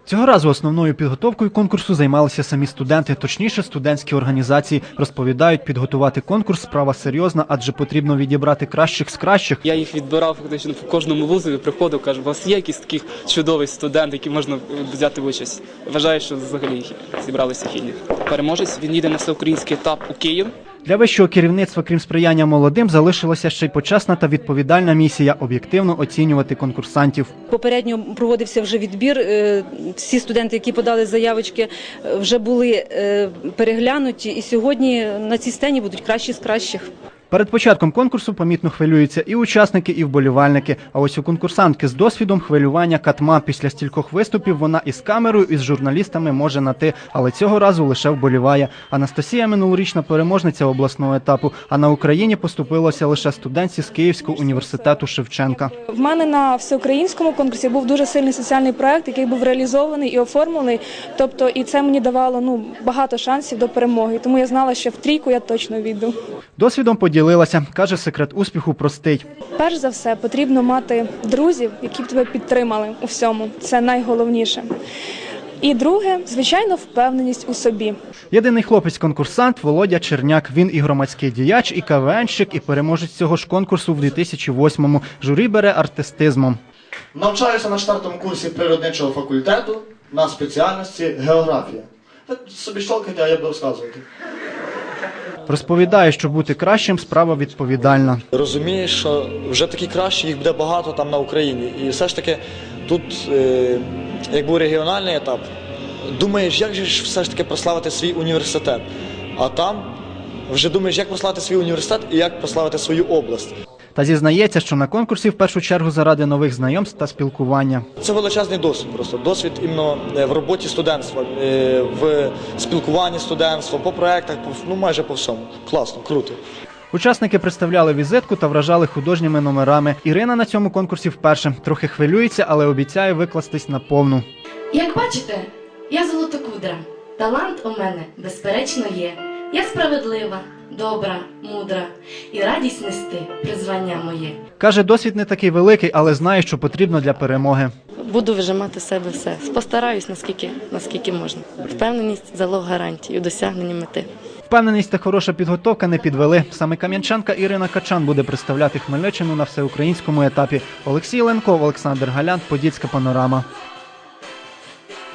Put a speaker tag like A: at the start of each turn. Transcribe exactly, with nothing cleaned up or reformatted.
A: Цього разу основною підготовкою конкурсу займалися самі студенти, точніше студентські організації. Розповідають, підготувати конкурс – справа серйозна, адже потрібно відібрати кращих з кращих.
B: Я їх відбирав фактично в кожному вузові, приходив, кажу, у вас є якийсь такий чудовий студент, який можна взяти участь. Вважаю, що взагалі зібралися гідні. Переможець, він їде на всеукраїнський етап у Київ.
A: Для вищого керівництва, крім сприяння молодим, залишилася ще й почесна та відповідальна місія – об'єктивно оцінювати конкурсантів.
C: Попередньо проводився вже відбір. Всі студенти, які подали заявочки, вже були переглянуті. І сьогодні на цій сцені будуть кращі з кращих.
A: Перед початком конкурсу помітно хвилюються і учасники, і вболівальники. А ось у конкурсантки з досвідом хвилювання катма. Після стількох виступів вона із камерою, і з журналістами може на «ти», але цього разу лише вболіває. Анастасія – минулорічна переможниця обласного етапу, а на Україні поступилося лише студентці з Київського університету Шевченка.
D: В мене на всеукраїнському конкурсі був дуже сильний соціальний проект, який був реалізований і оформлений. Тобто, і це мені давало ну, багато шансів до перемоги. Тому я знала, що в трійку я точно війду.
A: Досвідом поділилася. Каже, секрет успіху простий.
D: Перш за все, потрібно мати друзів, які б тебе підтримали у всьому. Це найголовніше. І друге, звичайно, впевненість у собі.
A: Єдиний хлопець-конкурсант – Володя Черняк. Він і громадський діяч, і КВНщик, і переможець цього ж конкурсу в дві тисячі восьмому. Журі бере артистизмом.
E: Навчаюся на четвертому курсі природничого факультету на спеціальності географія. Ви собі щолкайте, а я буду розказувати.
A: Розповідає, що бути кращим – справа відповідальна.
F: Розумієш, що вже такі кращі, їх буде багато там на Україні. І все ж таки тут, е, як був регіональний етап, думаєш, як же ж все ж таки прославити свій університет. А там вже думаєш, як прославити свій університет і як прославити свою область.
A: Та зізнається, що на конкурсі в першу чергу заради нових знайомств та спілкування.
F: Це величезний досвід просто. Досвід іменно в роботі студентства, в спілкуванні студентства, по проєктах, ну майже по всьому. Класно, круто.
A: Учасники представляли візитку та вражали художніми номерами. Ірина на цьому конкурсі вперше. Трохи хвилюється, але обіцяє викластись на повну.
G: Як бачите, я золотокудра. Талант у мене, безперечно, є. Я справедлива, добра, мудра і радість нести призвання моє.
A: Каже, досвід не такий великий, але знає, що потрібно для перемоги.
H: Буду вижимати з себе все. Постараюсь, наскільки, наскільки можна. Впевненість – залог гарантії у досягненні мети.
A: Впевненість та хороша підготовка не підвели. Саме кам'янчанка Ірина Качан буде представляти Хмельниччину на всеукраїнському етапі. Олексій Ленков, Олександр Галян, Подільська панорама.